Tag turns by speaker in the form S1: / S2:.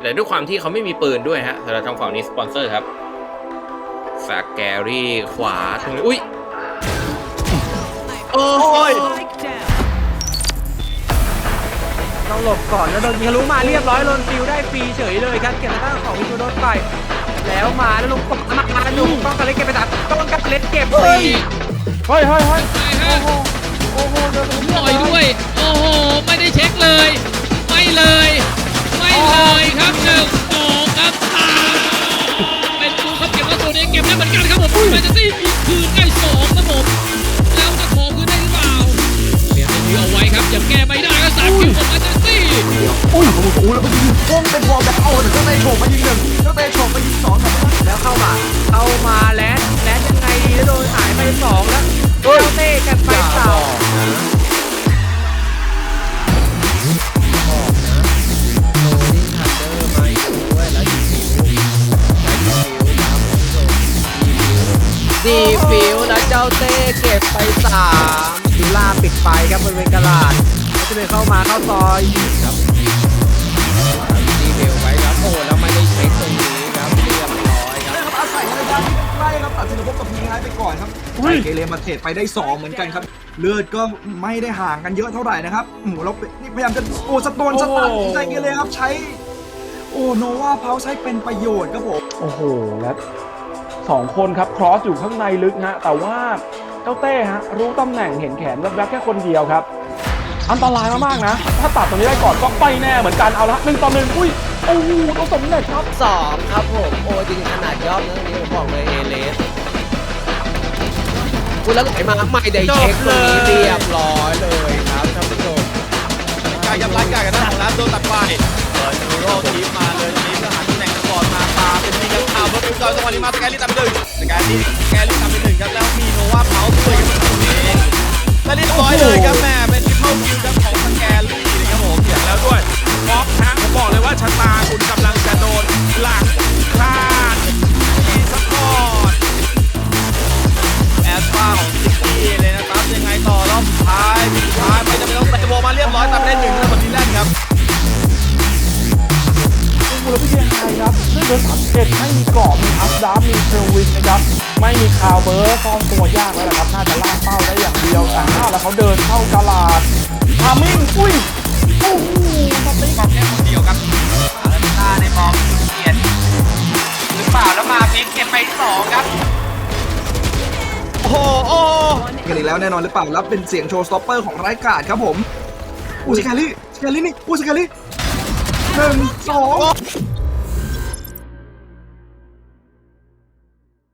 S1: แต่ด้วยความที่เขาไม่มีปืนด้วยฮะสำหรับทางฝั่งนี้สปอนเซอร์ครับสแกรี่ขวาตรงนี้อุ้ยโอ้ย
S2: ต้องหลบก่อนแล้วโดนยิงทะลุมาเรียบร้อยโดนฟิวได้ฟรีเฉยเลยครับเก็บทางของวิทูโดนไปแล้วมาแล้วลงกบมาลุงต้องการเล่นเก็บไปตัดต้องการเล่นเก็บฟรี
S3: เฮ้ย
S4: โอ้โหเดินต่อยด้วยโอ้โหไม่ได้เช็คเลยไม่เลยครับ1-2ครับเป็นกูครับเก็บแล้วตัวนี้เก็บได้เหมือนกันครับผมแมนเชสเตอร์มีคืนได้2ครับผมแล้วจะขอคืนได้หรือเปล่าเปลี่ยนมือเอาไว้ครับยังแก้ไม่ได้ก็3คิวของแมนเชสเตอร์
S3: อุ้ยโอ้โหแล้วไปยิงวงเป็นวอลแบบเอาแต่เจ้าเตะโฉบมายิง1เจ้าเตะโฉบมายิง2
S2: แล้วเข้ามาแล้วยังไงดีแล้วโดนหายไป2แล้วเจ้าเต้กันไปดีฟิวนะเจ้าเต้เก็บไป3ดูล่าปิดไฟครับบริเวณกลาดแล้วจะเป็นเข้าซอยครับดีฟิวไว้ครับโอ้แล้วไม่ได้เช็คตรงนี้ครับเรียบร้อยครับ
S3: อาศัยในด้านใกล้ครับตัดสินพบกับพีไฮไปก่อนครับเกเรมาเทรดไปได้2เหมือนกันครับเลือดก็ไม่ได้ห่างกันเยอะเท่าไหร่นะครับเรานี่พยายามจะสตันใจเกเรครับใช้โนวาเพาใช้เป็นประโยชน์ครับผม
S5: โอ้โหและ2คนครับครอสอยู่ข้างในลึกฮะแต่ว่าเจ้าเต้ฮะรู้ตำแหน่งเห็นแขนแวบๆแค่คนเดียวครับอันตรายมากๆนะถ้าตัดตรงนี้ได้ก่อนก็ไปแน่เหมือนกันเอาละ1-1อุ้ยโอ้โหต้องสำเร็จครับ
S2: 2ครับผมโอ้จริงขนาดยอดนะนี้ผมบอกเลยเอเลสคุณแล้วไหลมาไม่ได้เช็คตรงนี้เรียบร้อยเลยครับท่านผู้ชม
S6: การยับรัดการกันนะของร้านโดนตัดไปเปิดนูโรทีมมาเลยทีนี้เพื่อหาตำแหน่งก่อนมาตาเป็นทีกันข่าวรถดูจอยจังหวะนี้มาสแกลี่ตามไป1สแกลี่ตามไป1ครับแล้วมีโนวาเผาด้วยกันตรงนี้และเรียบร้อยเลยครับแม่เป็นทิปเปิลคิวครับของสแกลี่นะครับผมเสียงแล้วด้วยฟ็อกฮะผมบอกเลยว่าชะตาคุณกำลังจะโดนหลังคลาดที่สปอร์ตแอสปาของซิตี้เลยนะครับยังไงต่อรอบสุดท้ายไม่จำเป็นต้องเตะบอลมาเรียบร้อยตามไปได้1แล้วบอลนี้แล่นครับ
S5: มูลพิธีไทยครับด้วยเบอร์31ไม่มีกรอบมีอัพดาร์มีเทลวินนะครับไม่มีคาวเบอร์ซ่อนตัวยากแล้วนะครับน่าจะล่าเป้าได้อย่างเดียวแต่แล้วเขาเดินเข้ากลาดทามิ่งอุ้ยโอ้โหสติ๊ก
S6: บอกแค่คนเดียวครับอาราบิต้าในบอลเกียรติหรือเปล่าแล้วมาพลิกเก็บไป2ครับโอ้โห
S3: กันอีกแล้วแน่นอนหรือเปล่าแล้วเป็นเสียงโชว์สต็อปเปอร์ของไร้กาดครับผมสแกลี่นี่สแกลี่1 2